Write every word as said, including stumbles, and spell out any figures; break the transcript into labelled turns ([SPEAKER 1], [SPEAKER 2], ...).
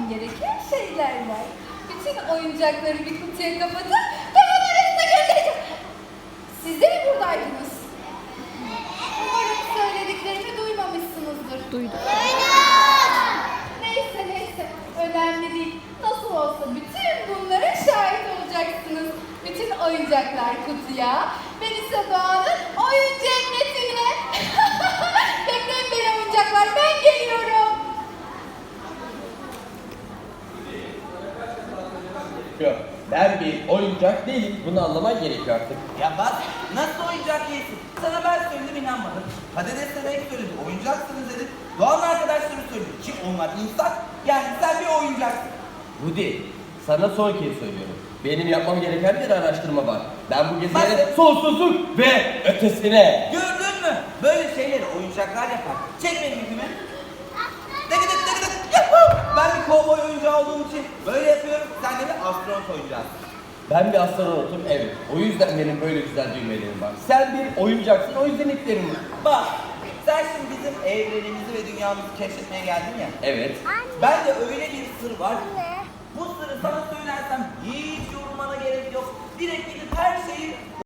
[SPEAKER 1] gereken şeyler var. Bütün oyuncakları bir kutuya kapatıp dolabın arasına göndereceğim. Siz de mi buradaydınız? Umarım söylediklerimi duymamışsınızdır.
[SPEAKER 2] Duydum.
[SPEAKER 1] Neyse neyse, önemli değil. Nasıl olsa bütün bunlara şahit olacaksınız. Bütün oyuncaklar kutuya, ben ise Doğan'ın oyun cennetine. Bekleyin beni oyuncaklar, ben geliyorum.
[SPEAKER 3] Yok, ben bir oyuncak değilim. Bunu anlaman gerekiyor artık.
[SPEAKER 4] Ya bak nasıl oyuncak değilsin? Sana ben söyledim inanmadın. Patates Bebek söyledi. Oyuncaksınız dedi. Doğan arkadaşları söyledi. Ki onlar insan. Yani sen bir oyuncaksın.
[SPEAKER 3] Rudy, sana son kez söylüyorum. Benim yapmam gereken bir araştırma var. Ben bu gezegene
[SPEAKER 4] Bak-
[SPEAKER 3] sonsuzluk ve ötesine.
[SPEAKER 4] Gördün mü? Böyle şeyleri oyuncaklar yapar. Çek benim ipimi. Tık tık tık tık. Yuhuu! Ben bir kovboy oyuncağı olduğum için böyle yapıyorum. Sen de bir astronot oyuncağısın.
[SPEAKER 3] Ben bir astronotum, evet. O yüzden benim böyle güzel düğmelerim var. Sen bir oyuncaksın, o yüzden iplerim var.
[SPEAKER 4] Bak sen şimdi bizim evrenimizi ve dünyamızı keşfetmeye geldin ya.
[SPEAKER 3] Evet.
[SPEAKER 4] Ben de öyle bir sır var. Bu sırrı sana söylersem hiç yorulmana gerek yok. Direkt gidip her şeyi